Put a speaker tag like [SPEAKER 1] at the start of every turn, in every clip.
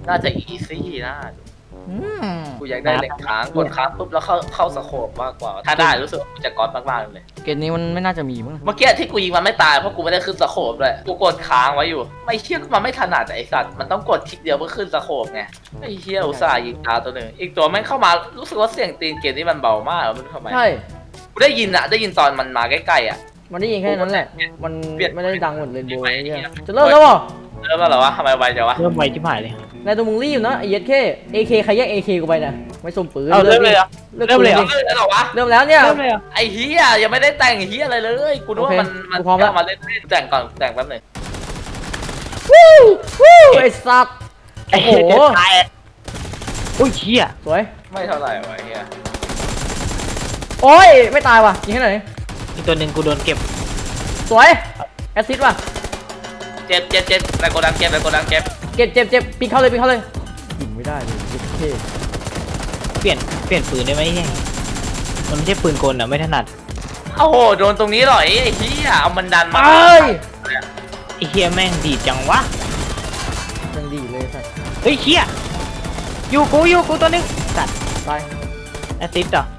[SPEAKER 1] น่าจะอีซี่นะ
[SPEAKER 2] อืม
[SPEAKER 1] กูอยากได้เหล็กค้างกดค้างปุ๊บแล้วเข้าสโคปมากกว่า ถ้าได้รู้สึกว่ากูจะก๊อตมากๆเลย
[SPEAKER 2] เกมนี้มันไม่น่าจะมีมั้ง
[SPEAKER 1] เมื่อกี้ที่กูยิงมันไม่ตายเพราะกูไม่ได้ขึ้นสโคปเลยกูกดค้างไว้อยู่ ไม่เชี่ยมันไม่ถนัดไอสัตว์มันต้องกดคลิกเดียวเพื่อขึ้นสโคปไงไอ้เชี่ยอุตส่าห์ยิงตาตัวหนึ่งอีกตัวแม่งเข้ามารู้สึกว่าเสียงตีนเกมนี้มันเบามากไม่รู้ทำไม
[SPEAKER 2] ใช่
[SPEAKER 1] กูได้ยินตอนมันมาใกล้ๆอ่ะ
[SPEAKER 2] มันได้ยินแค่นั้นแหละมัน
[SPEAKER 1] เปลี่ยน
[SPEAKER 2] ไม่ได้ดังเหมือนเรนโบว์
[SPEAKER 1] ไม่
[SPEAKER 2] ไอ้
[SPEAKER 1] ไม่
[SPEAKER 2] เหี้ยจะเริ่มแล้วเหรอ
[SPEAKER 1] เริ่มแล้วเหรอวะทำไมไวจังวะ
[SPEAKER 3] เริ่มไวชิบหายเลย
[SPEAKER 2] นายตัวมึงรีบนะไอ้เหี้ยแค่ AK ใครแย่ง AK กูไปนะไม่สมปืน
[SPEAKER 3] เอาเริ่มเลยเหรอ
[SPEAKER 2] เลิก
[SPEAKER 3] เริ่มเลยเหรอ
[SPEAKER 2] ดิ
[SPEAKER 1] เริ่มแล้วเหรอวะ
[SPEAKER 2] เริ่มแล้วเนี่ย
[SPEAKER 3] เริ่มเลยเหรอ
[SPEAKER 1] ไอ้เฮียยังไม่ได้แต่งเฮียอะไรเลยกูนึกว่ามัน
[SPEAKER 2] โอเคกูพร้อมแล้ว
[SPEAKER 1] เอามาเล่นแต่งก่อนแต่งแป๊บหนึง
[SPEAKER 2] วู้วู้ไอ้สัตว์
[SPEAKER 3] ไอ้
[SPEAKER 2] โอ้
[SPEAKER 3] โห
[SPEAKER 2] โห
[SPEAKER 3] ตายอุ้ยเชี่ย
[SPEAKER 2] สวย
[SPEAKER 1] ไม่เท่าไหร่วะไอ้เฮีย
[SPEAKER 2] โอ้ยไม่ตายว่ะยิงให้หน่อย
[SPEAKER 3] อีกตัวหนึ่งกูโดนเก็บ
[SPEAKER 2] สวยแอสซิสต์ว่ะ
[SPEAKER 1] เจ็บแต่โกดังเจ็บแต่โกดังเจ็บ
[SPEAKER 2] เจ็บปีนเข้าเลยยิงไม่ได้เลยเจ็บเท่
[SPEAKER 3] เปลี่ยนปืนได้ไหมเนี่ยมันไม่ใช่ปืนกลอ่ะไม่ถนัด
[SPEAKER 1] โอ้โหโดนตรงนี้หรอไอ้เฮียเอามันดัน
[SPEAKER 2] ไป
[SPEAKER 1] มา
[SPEAKER 3] ไอ้เฮียแม่งดีดจังวะ
[SPEAKER 2] ยังดีเลยสัตว์
[SPEAKER 3] เฮ้ยเชี่ยอยู่กูตัวหนึงสัตว์
[SPEAKER 2] ตาย
[SPEAKER 3] แอสซิสต์เหรอ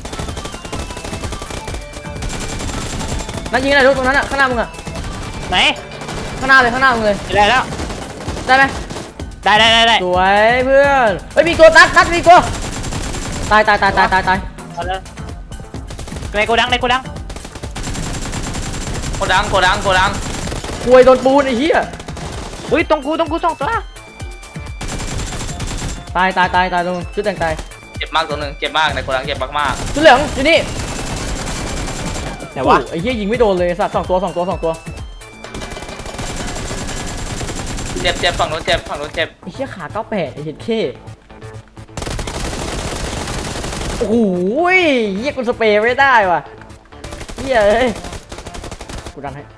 [SPEAKER 2] นั่นยิงอะไรลูกตรงนั้นอ่ะข้างหน้ามึงอ่ะ
[SPEAKER 3] ไหน
[SPEAKER 2] ข้างหน้ามึงเลย
[SPEAKER 3] ได้แล้ว
[SPEAKER 2] ได้ไหม
[SPEAKER 3] ได้
[SPEAKER 2] สวยเพื่อนเฮ้ยมีตัวนัดมีตัวตาย
[SPEAKER 3] เอาเลยในโกดัง
[SPEAKER 1] โกดัง
[SPEAKER 2] ควยโดนปูนไอ้เหี้ย
[SPEAKER 3] อุ้ยตรงกูสองตัว
[SPEAKER 2] ตายตรงชุดแต่งตาย
[SPEAKER 1] เจ็บมากตัวหนึ่งเจ็บมากในโกดังเจ็บมาก
[SPEAKER 2] ชุดเหลืองอยู่นี่
[SPEAKER 3] แต่ว่า
[SPEAKER 2] โอ้ไอ้เหี้ยยิงไม่โดนเลยสัตว์สองตัว
[SPEAKER 1] เจ็บฝั่งนู้นเจ็บ
[SPEAKER 2] ไอ้เหี้ยขา98ไอ้เหี้ยเข้โอ้โหเหี้ยกูสเปรย์ไม่ได้ว่ะเหี้ยเอ้ยกูดันให้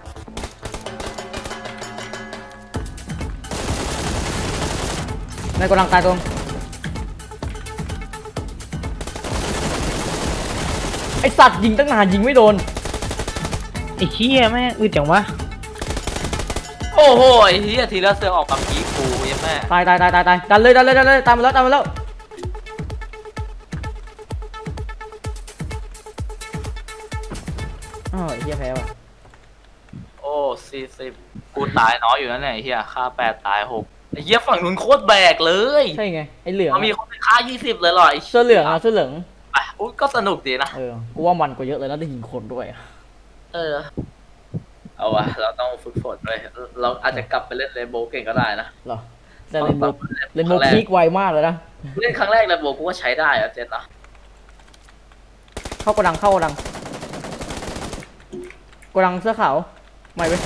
[SPEAKER 2] นายกำลังตายตรงไอสัตว์ยิงตั้งนานยิงไม่โดน
[SPEAKER 3] ไอ้เชี่ยแม่งอึดจังวะ
[SPEAKER 1] โอ้โหไอ้เฮียทีละเสือออกกับผีกูยังแม่
[SPEAKER 2] ตายดันเลยตามมาแล้วอ้าวไอ้เหี้ยแพ้ว่ะ
[SPEAKER 1] โอ้40กูตายน้อยอยู่นั่นแหละไอ้เฮียฆ่า8ตาย6ไอ้เฮียฝั่งนู้นโคตรแบกเลย
[SPEAKER 2] ใช่ไงไอเหลือง
[SPEAKER 1] มันมีคนไปฆ่า20เลยเหรอไอ้
[SPEAKER 2] เสื้อเหลืองเสื้อเหลือง
[SPEAKER 1] ไปอุ๊ยก็สนุกดีนะ
[SPEAKER 2] กูว่ามันกว่าเยอะเลยแล้วได้ยิงคนด้วย
[SPEAKER 1] เออเอาวะเราต้องฝึกฝนด้วยเราอาจจะกลับไปเล่นเรนโบว์เก่งก็ได้นะ
[SPEAKER 2] เหรอแต่เรนโบว์พีคไวมากเลยนะ
[SPEAKER 1] เล่นครั้งแรกเรนโบว์กูก็ใช้ได้อะเจนนะ
[SPEAKER 2] เข้ากระดังเสื้อขาวไม่เว้ย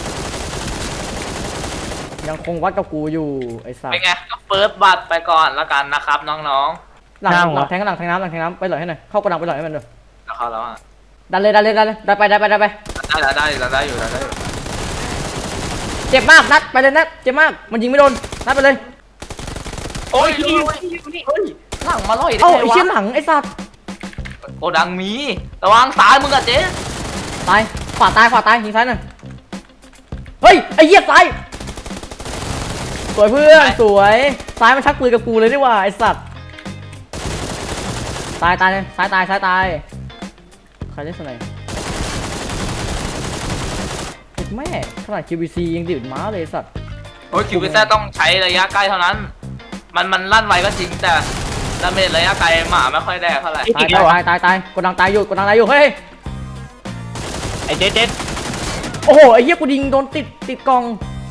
[SPEAKER 2] ยังคงวัดกับกูอยู่ไอ้สัส
[SPEAKER 1] เป็นไงก็เฟิร์สบัตไปก่อนละกันนะครับน้อง
[SPEAKER 2] หลังแทงน้ำไปหล่อยให้หน่อยเข้ากระดังไปหล่อยให้มันด้วย
[SPEAKER 1] ๆแล้วเขาแล้วอ่ะ
[SPEAKER 2] ดันเลยดันไป
[SPEAKER 1] ได้อยู่
[SPEAKER 2] เจ็บมากนัดไปเลยนัดเจ็บมากมันยิงไม่โดนนัดไปเลย
[SPEAKER 1] โอ้ยเฮ้ยหลังมาล่อยได้
[SPEAKER 2] เอ้า
[SPEAKER 1] ไง
[SPEAKER 2] ไอ้
[SPEAKER 1] วะ
[SPEAKER 2] เชี่ยหลังไอ้สัส
[SPEAKER 1] โกดังมีระวังซ้ายมึงอะเจ๊
[SPEAKER 2] ตายขวาตายยิงซ้ายหน่อยเฮ้ยไอ้เหี้ยซ้ายสวยเพื่อนสวยซ้ายมันชักปืนกับกูเลยดีกว่าไอ้สัสตายเลยซ้ายตายใครเล่นสไนป์แม่ขนาด QBC ยังดิบม้าเลยสัตว์
[SPEAKER 1] โอ้ยคิวพิซซ่าต้องใช้ระยะใกล้เท่านั้น มันลั่นไวก็จริงแต่ดาเมจระยะไกลหมาไม่ค่อยแดกเท่าไหร่
[SPEAKER 2] ตายกดดังตายอยู่เฮ้ย
[SPEAKER 3] ไอ้เจ๊ด
[SPEAKER 2] โอ้โหไอ้เหี้ยกูยิงโดนติดกล่อง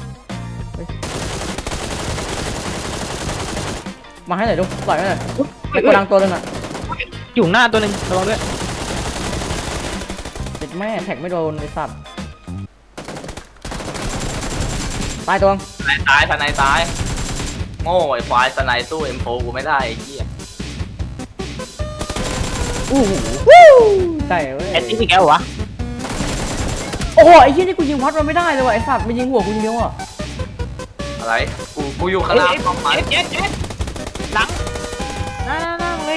[SPEAKER 2] มาให้หน่อยดูปล่อยให้หน่อยไอ้กดดังตัวนึงอ่ะ
[SPEAKER 3] อยู่หน้าตัวหนึ่งระวังด้วย
[SPEAKER 2] ติดแม่แท็กไม่โดนไอ้สัตว์ตายตัว
[SPEAKER 1] ตายตายโง่ไอ้ควายสไนสู้เอ็มโฟกูไม่ได้ไอ้เหี้ย
[SPEAKER 2] อู้หูได้เว้ย
[SPEAKER 3] แอสซิสต์อีกแล้วเหรอวะ
[SPEAKER 2] โอ้โหไอ้เหี้ยนี่กูยิงวัดมันไม่ได้เลยว่ะไอ้สัตว์มันยิงหัวกูยิงเดียวอ่ะ
[SPEAKER 1] อะไรกูอยู่ข้างล่างต้องไป
[SPEAKER 3] เจ๊ดหลังนั่งเลย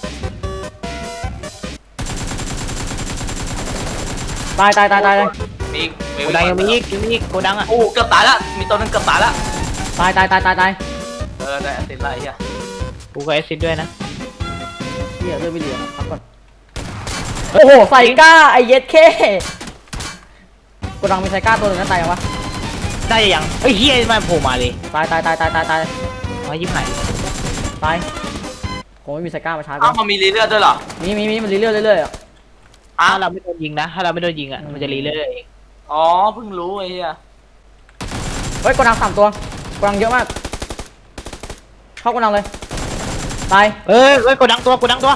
[SPEAKER 2] ตาย
[SPEAKER 1] มี
[SPEAKER 3] โกดังยังมีอีกโกดังอ่ะ
[SPEAKER 1] โอ้เกือบตายละมีตัวนึงเกือบตายละ
[SPEAKER 2] ตาย
[SPEAKER 1] เออได้แอสซิสต์ไรอ่ะ
[SPEAKER 3] กูก็แอสซิดด้วยนะ
[SPEAKER 2] เหี้ยเริ่มไม่เหลือพักก่อนโอ้โหใส่ก้าไอเย็ดเข้กดังมีใส่ก้าตัวหนึ่งนั่นตายยังวะ
[SPEAKER 3] ได้ยังเฮ้ยเฮียมาโผล่มาเลย
[SPEAKER 2] ตายตายตายตายตายตาย
[SPEAKER 3] มายิ้มหาย
[SPEAKER 2] ตายคงไม่มีใส่ก้ามาชาร์จ
[SPEAKER 1] อ้าวมันมีรีเลือดด้วยเหรอ
[SPEAKER 2] มีมันเรื่อยๆเรื่อยๆอ่ะ
[SPEAKER 1] อ้า
[SPEAKER 3] ถ้าว เราไม่โดนยิงนะถ้าเราไม่โดนยิงอ่ะมันจะรีเรื่อยเอง
[SPEAKER 1] อ๋อเพิ่งรู้ไอ้เหี้ย
[SPEAKER 2] เฮ้ยกดัง3 ตัวกดังเยอะมากเข้ากดังเลยตาย
[SPEAKER 3] เฮ้ยกดดังตัว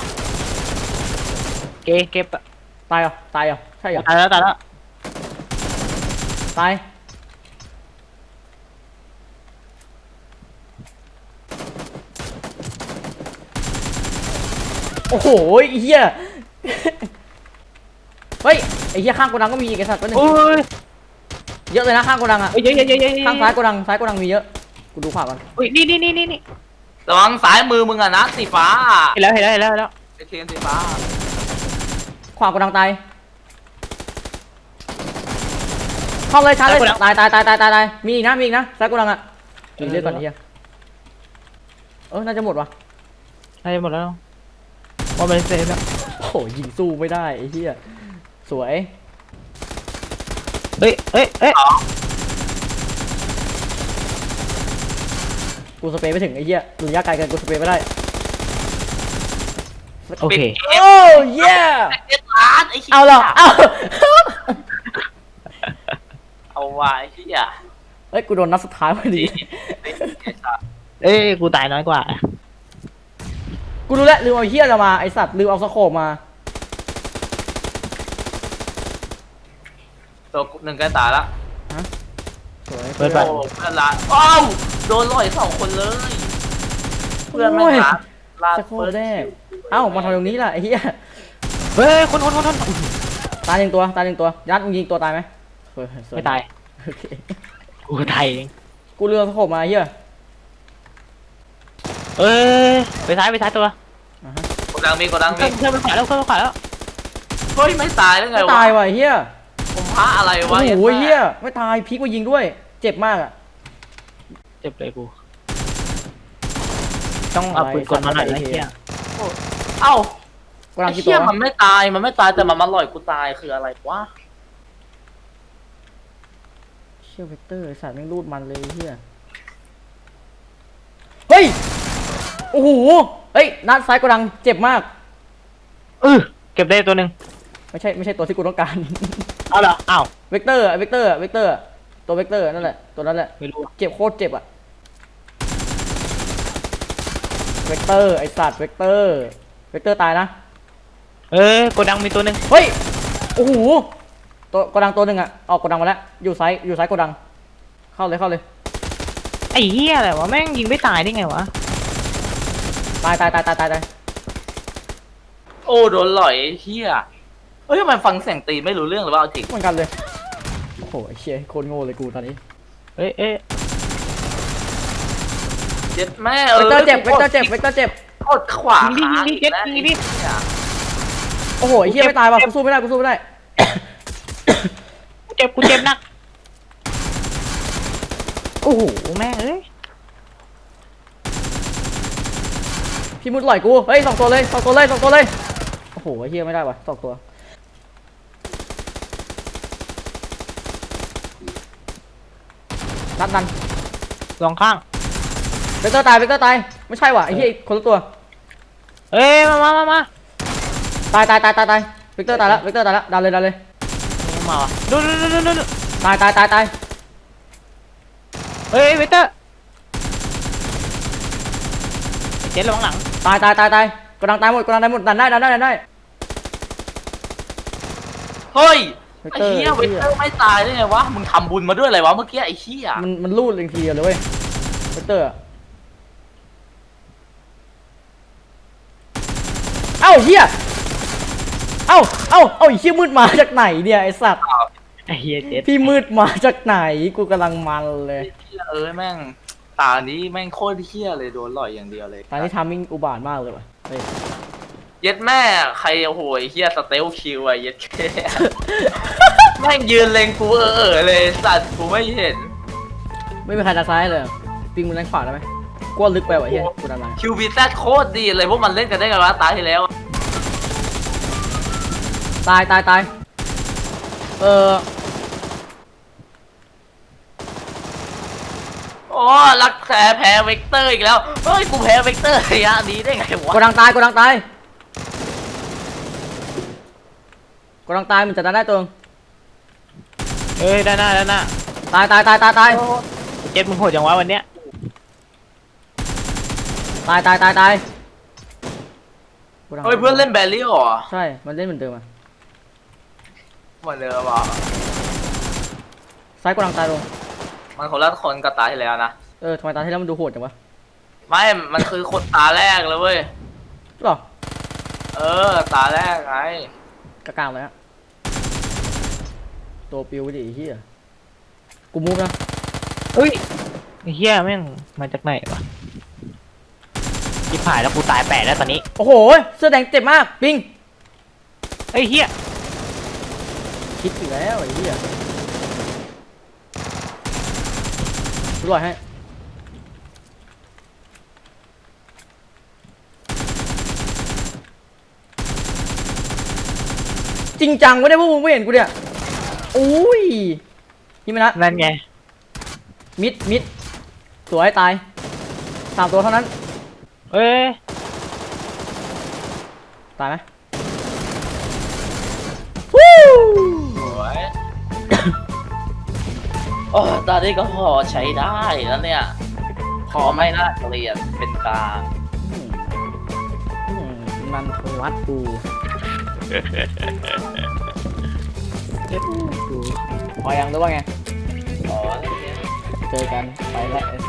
[SPEAKER 3] เก็บ
[SPEAKER 2] ตายเหรอตายเหรอใช่เหรอ
[SPEAKER 3] ตายแล้ว
[SPEAKER 2] ตายโอ้โหไอ้เหี้ยเฮ้ยไอ้เหี้ยข้างกดังก็มีอีกไอ้สัตว์ตัวหนึง
[SPEAKER 3] โอ้ย
[SPEAKER 2] เยอะเลยนะข้างกดังอ่ะ
[SPEAKER 3] เยอะ
[SPEAKER 2] ข้างซ้ายกดังมีเยอะกูดูขวาก่อน
[SPEAKER 3] อุ้ยนี่
[SPEAKER 1] ระวังสายมือมึงอะนะสีฟ้า
[SPEAKER 3] เห็นแล้ว
[SPEAKER 1] ไอเทียนสีฟ้า
[SPEAKER 2] ขวากดังตายเข้าเลยชาร์จเลยตายมีอีกนะซ้ายกดังอ่ะมีเลือดก่อนไอ้เหี้ยน่าจะหมดวะ
[SPEAKER 3] ได้หมดแล้วว่ามันเสร็จแล้ว
[SPEAKER 2] โอ้โหยิงสู้ไม่ได้ไอ้เหี้ยสวย
[SPEAKER 3] เฮ้ย
[SPEAKER 2] กูสเปรย์ไม่ถึงไอ้เหี้ยระยะไกลเกินกูสเปรย์ไม่ได้
[SPEAKER 3] โอเค
[SPEAKER 2] โอ้เย่
[SPEAKER 1] เจ็ดล้านไอ้เหี้ย
[SPEAKER 2] เอาเหรอเอา
[SPEAKER 1] เอาไว้ไอ้เหี้ย
[SPEAKER 2] เฮ้ยกูโดนนัดสุดท้ายพอดี
[SPEAKER 3] เอ้ยกูตายน้อยกว่า
[SPEAKER 2] กูรู้แล้วลืมเอาเหี้ยเรามาไอสัตว์ลืมเอาสโคปมา
[SPEAKER 1] ตัวหนึ่งใกล้ตายละ
[SPEAKER 2] สวย
[SPEAKER 3] เปิดไป
[SPEAKER 1] โอ้เพื่อนละอ้าวโดนลอย2 คนเลยเพื่อนไม่รักลา
[SPEAKER 2] สโคปแรกเอ้ามาทำตรงนี้ล่ะไอ้เหี้ย
[SPEAKER 3] เฮ้ยคน
[SPEAKER 2] ตายหนึ่งตัวยัดมึงยิงตัวตายไหมเฮ้ยสว
[SPEAKER 3] ไม่ตาย
[SPEAKER 2] โอเค
[SPEAKER 3] กูตายเอง
[SPEAKER 2] กูลืมเอาสโคปมาไอ้เหี้ย
[SPEAKER 3] เอ้ยไปซ้ายตัว
[SPEAKER 2] อ่าฮะ
[SPEAKER 1] กดดังมี
[SPEAKER 3] เครื่องไปขวาแล้ว
[SPEAKER 1] เฮ้ยไม่ตายได้ไง
[SPEAKER 2] ไม่
[SPEAKER 1] วะ
[SPEAKER 2] ตายว่ะไอ้เหี้ย
[SPEAKER 1] ผมพระอะไร
[SPEAKER 2] โอ้
[SPEAKER 1] วะ
[SPEAKER 2] โหเหี้ยไม่ตายพลิกมายิงด้วย เจ็บมากอ่ะ
[SPEAKER 3] เจ็บเลยกูต้องเอาปืนกลมาหน่อยนะเฮีย
[SPEAKER 1] เอ้า
[SPEAKER 2] กำลั
[SPEAKER 1] ไอ้
[SPEAKER 2] งกี่ตั
[SPEAKER 1] เหี้
[SPEAKER 2] วย
[SPEAKER 1] มันไม่ตายแต่มันมาลอยกูตายคืออะไรวะ
[SPEAKER 2] เชี่ยเวกเตอร์ไอสัตว์แม่งรูดมันเลยไอ้เหี้ยเฮ้ยโอ้โหเฮ้ยนัดซ้ายกดังเจ็บมาก
[SPEAKER 3] เก็บได้ตัวหนึ่ง
[SPEAKER 2] ไม่ใช่ตัวที่กูต้องการ
[SPEAKER 3] เอาเหรออ้าว
[SPEAKER 2] เวกเตอร์ตัวเวกเตอร์นั่นแหละตัวนั้นแหละ
[SPEAKER 3] ไม่รู้
[SPEAKER 2] เจ็บโคตรเจ็บอะเวกเตอร์ไอสัตว์เวกเตอร์ตายนะ
[SPEAKER 3] โกดังมีตัวหนึ่ง
[SPEAKER 2] เฮ้ยโอ้โหตัวกดังตัวหนึ่งอะออกกดังมาแล้วอยู่ซ้ายกดังเข้าเลย
[SPEAKER 3] ไอ้เหี้ยอะไรวะแม่งยิงไม่ตายได้ไงวะ
[SPEAKER 2] ตาย
[SPEAKER 1] โอ้โดนลอยไอ้เหี้ยเฮ้ยทำไมฟังเสียงตีไม่รู้เรื่องหรือว่าเอาจริง
[SPEAKER 2] เหมือนกันเลยโอ้โหไอ้เชี่ยโคตรโง่เลยกูตอนนี้
[SPEAKER 3] เอ้ย
[SPEAKER 1] เจ็บแม่
[SPEAKER 2] เวกเตอร์เจ็บ
[SPEAKER 1] กดขวา
[SPEAKER 3] ยิงดิ
[SPEAKER 2] โอ้โหไอ้เหี้ยไม่ตายว่ะกูสู้ไม่ได้
[SPEAKER 3] กูเจ็บหนักโอ้โหแม่งเอ้ย
[SPEAKER 2] พี่มุดไหลกูเฮ้ย2 ตัวเลยโอ้โหไอ้เหี้ยไม่ได้ว่ะ2 ตัวนัดดัน
[SPEAKER 3] สองข้าง
[SPEAKER 2] เวกเตอร์ตายไม่ใช่ว่ะไอ้เหี้ยคนละตัว
[SPEAKER 3] เอ้ยมา
[SPEAKER 2] ตายเวกเตอร์ตายแล้วดันเลย
[SPEAKER 3] มาวะดู
[SPEAKER 2] ตาย
[SPEAKER 3] เฮ้ยเวเตอร์เจ็ดระวังหลัง
[SPEAKER 2] ตายกดดังตายหมดดันได้
[SPEAKER 1] เฮ้ย
[SPEAKER 2] เวก
[SPEAKER 1] ไอ้
[SPEAKER 2] เตอร์
[SPEAKER 1] เหี้ยเวกเตอร์ไม่ตายได้ไงวะมึงทำบุญมาด้วยอะไรวะเมื่อกี้ไอ้เหี้ย
[SPEAKER 2] มันรูดเลยทีเดียวเลยเว้ยเวกเตอร์เอ้าเหี้ยเอ้าไอ้เหี้ยมืดมาจากไหนเนี่ยไอ้สัตว์
[SPEAKER 3] ไอ้เหี้ยเจ็ด
[SPEAKER 2] พี่มืดมาจากไหนกูกำลังมันเลย
[SPEAKER 1] ไอ้เหี้ยแม่งตานี้แม่งโคตรเหี้ยเลยโดนลอยอย่างเดียวเลย
[SPEAKER 2] ตอนนี้ทามมิ่งอุบาทมากเลยว่ะเฮ้ย
[SPEAKER 1] เย็ดแม่ใครโอ้โหไอ้เหี้ยสเตลคิวอะเย็ดแค่ แม่งยืนเล็งกูเลยสัตว์กูไม่เห็น
[SPEAKER 2] ไม่มีใครดันซ้ายเลยปิงมันด้านขวาได้ไหมกลัวลึกไปว่ะเฮียกูดันมา
[SPEAKER 1] คิวบีแซดโคตรดีเลยพวกมันเล่นกันได้ไงวะตายที่แล้ว
[SPEAKER 2] ตายตายตาย
[SPEAKER 1] โอ้รักแพ้เวกเตอร์อีกแล้วเฮ้ยกูแพ้เวกเตอร์ระยะนี้ได้ไงวะ
[SPEAKER 2] กูดังตายกูดังตายกูดังตายมันจะดันได้ตัว
[SPEAKER 3] เอ้ยด้านหน้า
[SPEAKER 2] ตายตายตายตายตาย
[SPEAKER 3] เจ็ดมึงโหดจังวะวันเนี้ย
[SPEAKER 2] ตายตายตายตายกูดัง
[SPEAKER 1] เฮ้ยเพื่อนเล่นแบลลี่เหรอ
[SPEAKER 2] ใช่มันเล่นเหมือนเดิมอ่ะ
[SPEAKER 1] เหมือนเดิมว่ะ
[SPEAKER 2] ซ้ายกูดังตายลง
[SPEAKER 1] มันคนละคนกับตาที่แล้วนะ
[SPEAKER 2] ทำไมตาที่แล้วมันดูโหดจังวะ
[SPEAKER 1] ไม่มันคือคนตาแรกเลยเว้ย
[SPEAKER 2] หรอ
[SPEAKER 1] ตาแรกไง
[SPEAKER 2] กลางๆเลยฮะตัวปิวดิไอ้เฮียกูมูฟนะ
[SPEAKER 3] เฮ้ยไอ้เฮียแม่งมาจากไหนวะที่ผ่านแล้วกูตายแปดแล้วตอนนี้
[SPEAKER 2] โอ้โหเสื้อแดงเจ็บมากปิง
[SPEAKER 3] ไอ้เฮีย
[SPEAKER 2] คิดอีกแล้วไอ้เฮียดูรอยให้จริงจังไม่ได้พวกมึงไม่เห็นกูเนี่ยอุ้ยนี่มันนะ
[SPEAKER 3] นั่นไง
[SPEAKER 2] มิดสวยตาย3 ตัวเท่านั้น
[SPEAKER 3] เอ้ย
[SPEAKER 2] ตายไหมวู้
[SPEAKER 1] สวย โอ้ตอนนี้ก็พอใช้ได้แล้วเนี่ยพอไม่น่าเกลียดเป็นกลาง
[SPEAKER 2] มันเคยวัดกูพอยังหรือว่าไง
[SPEAKER 1] อ๋อเนี่ย
[SPEAKER 2] เจอกันไปแล้ว